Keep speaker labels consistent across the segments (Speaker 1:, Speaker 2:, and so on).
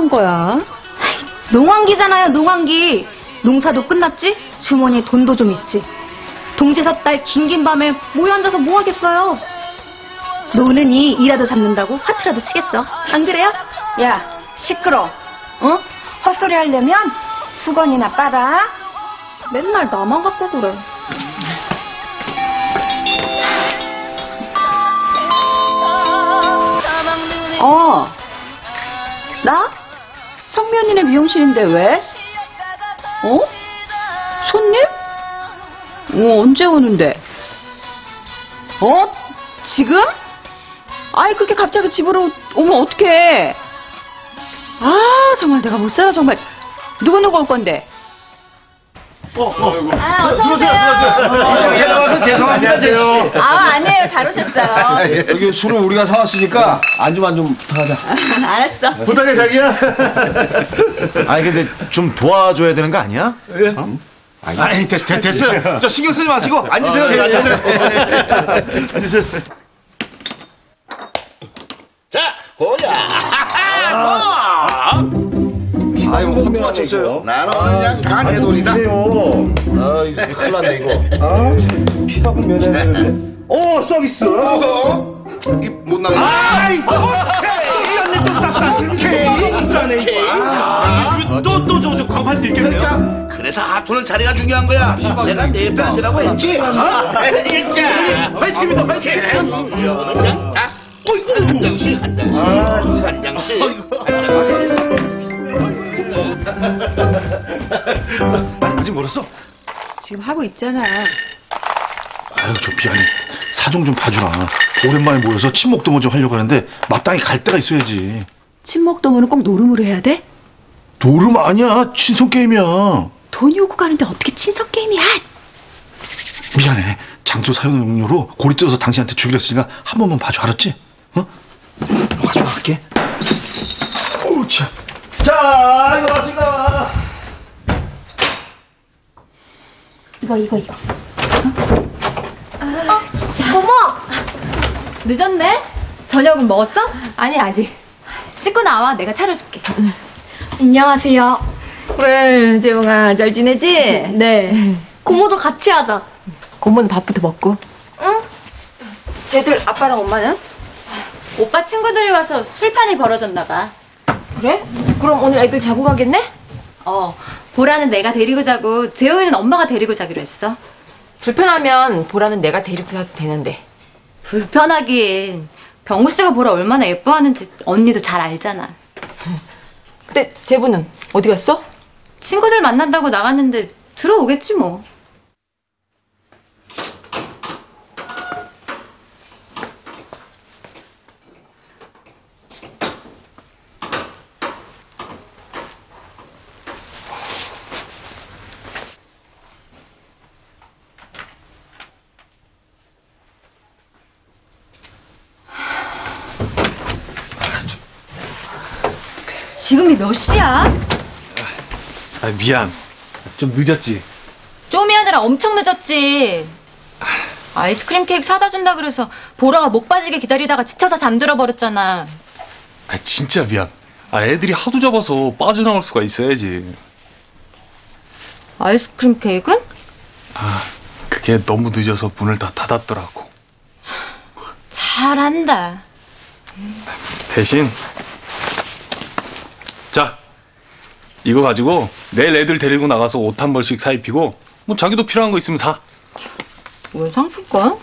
Speaker 1: 한 거야?
Speaker 2: 농한기잖아요, 농한기. 농사도 끝났지? 주머니에 돈도 좀 있지. 동지석 달 긴긴 밤에 모여 앉아서 뭐 하겠어요? 노는이 이라도 잡는다고 화투라도 치겠죠. 안 그래요?
Speaker 3: 야, 시끄러. 어? 헛소리 하려면 수건이나 빨아.
Speaker 2: 맨날 나만 갖고 그래.
Speaker 1: 나? 성미 언니네 미용실인데 왜? 손님? 언제 오는데? 지금? 아이, 그렇게 갑자기 집으로 오면 어떡해? 정말 내가 못 살아, 정말. 누구 올 건데?
Speaker 2: 어서 오세요.
Speaker 4: 나와서 죄송합니다, 제가.
Speaker 2: 아니에요. 잘 오셨어요.
Speaker 4: 여기 술은 우리가 사왔으니까 안주만 좀 부탁하자.
Speaker 2: 알았어.
Speaker 4: 부탁해, 자기야.
Speaker 5: 아니 근데 좀 도와줘야 되는 거 아니야?
Speaker 4: 예? 아니, 됐어요. 저 신경 쓰지 마시고 앉으세요. 앉으세요.
Speaker 6: 자, 고야.
Speaker 5: 아이고 화투 맞췄어요.
Speaker 6: 나는 그냥 강한 해돌이다.
Speaker 5: 아 이거 큰일 났네 이거. 피하고 면해야 되는데. 서비스.
Speaker 6: 못 나가.
Speaker 4: 아이, 오케이. 언니 좀 땄다. 또 광팔 수 있겠네요.
Speaker 6: 그러니까 그래서 하투는 자리가 중요한 거야. 내가 내 옆에 앉으라고 했지. 진짜.
Speaker 4: 파이팅입니다, 파이팅.
Speaker 6: 그냥 다. 한 장씩, 한 장씩, 한 장씩.
Speaker 4: 아직 멀었어?
Speaker 1: 지금 하고 있잖아.
Speaker 4: 아유, 저 미안해. 사정 좀 봐주라. 오랜만에 모여서 친목도모 좀 하려고 하는데 마땅히 갈 데가 있어야지.
Speaker 1: 친목도모는 꼭 노름으로 해야 돼?
Speaker 4: 노름 아니야. 친선 게임이야.
Speaker 1: 돈이 오고 가는데 어떻게 친석 게임이야?
Speaker 4: 미안해. 장소 사용 용료로 고리 뜯어서 당신한테 주기로 했으니까 한 번만 봐줘. 알았지? 가져와 갈게. 어우, 참. 자, 이거 왔습니다.
Speaker 2: 이거. 어머! 늦었네? 저녁은 먹었어? 아니, 아직. 씻고 나와. 내가 차려줄게. 안녕하세요.
Speaker 3: 그래, 재웅아, 잘 지내지?
Speaker 2: 네. 고모도 같이 하자.
Speaker 3: 고모는 밥부터 먹고.
Speaker 2: 응?
Speaker 3: 쟤들 아빠랑 엄마는?
Speaker 2: 오빠 친구들이 와서 술판이 벌어졌나 봐.
Speaker 3: 그래? 그럼 오늘 애들 자고 가겠네?
Speaker 2: 보라는 내가 데리고 자고 재웅이는 엄마가 데리고 자기로 했어.
Speaker 3: 불편하면 보라는 내가 데리고 가도 되는데.
Speaker 2: 불편하긴. 병구 씨가 보라 얼마나 예뻐하는지 언니도 잘 알잖아.
Speaker 3: 근데 제부는 어디 갔어?
Speaker 2: 친구들 만난다고 나갔는데 들어오겠지 뭐. 지금이 몇 시야?
Speaker 5: 미안. 좀 늦었지.
Speaker 2: 좀이 아니라 엄청 늦었지. 아이스크림 케이크 사다 준다 그래서 보라가 목 빠지게 기다리다가 지쳐서 잠들어 버렸잖아.
Speaker 5: 진짜 미안. 애들이 하도 잡아서 빠져나올 수가 있어야지.
Speaker 2: 아이스크림 케이크는?
Speaker 5: 그게 너무 늦어서 문을 다 닫았더라고.
Speaker 2: 잘한다.
Speaker 5: 대신 자, 이거 가지고 내일 애들 데리고 나가서 옷 한 벌씩 사 입히고 뭐 자기도 필요한 거 있으면 사.
Speaker 2: 왜 상품권?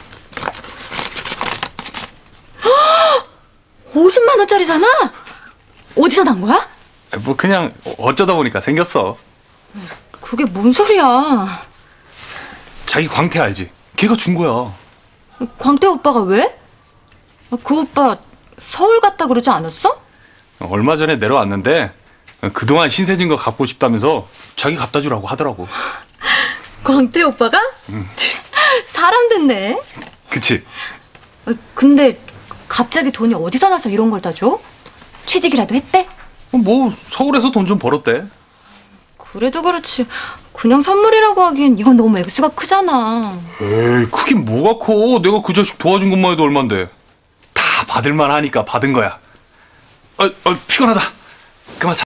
Speaker 2: 50만 원짜리잖아? 어디서 난 거야?
Speaker 5: 뭐 그냥 어쩌다 보니까 생겼어.
Speaker 2: 그게 뭔 소리야?
Speaker 5: 자기 광태 알지? 걔가 준 거야.
Speaker 2: 광태 오빠가 왜? 그 오빠 서울 갔다 그러지 않았어?
Speaker 5: 얼마 전에 내려왔는데 그동안 신세진 거 갚고 싶다면서 자기 갖다 주라고 하더라고.
Speaker 2: 광태 오빠가?
Speaker 5: 응.
Speaker 2: 사람 됐네.
Speaker 5: 그치?
Speaker 2: 근데 갑자기 돈이 어디서 나서 이런 걸 다 줘? 취직이라도 했대?
Speaker 5: 뭐 서울에서 돈 좀 벌었대.
Speaker 2: 그래도 그렇지 그냥 선물이라고 하기엔 이건 너무 액수가 크잖아.
Speaker 5: 에이, 크긴 뭐가 커. 내가 그 자식 도와준 것만 해도 얼만데. 다 받을만 하니까 받은 거야. 피곤하다. 그만 자.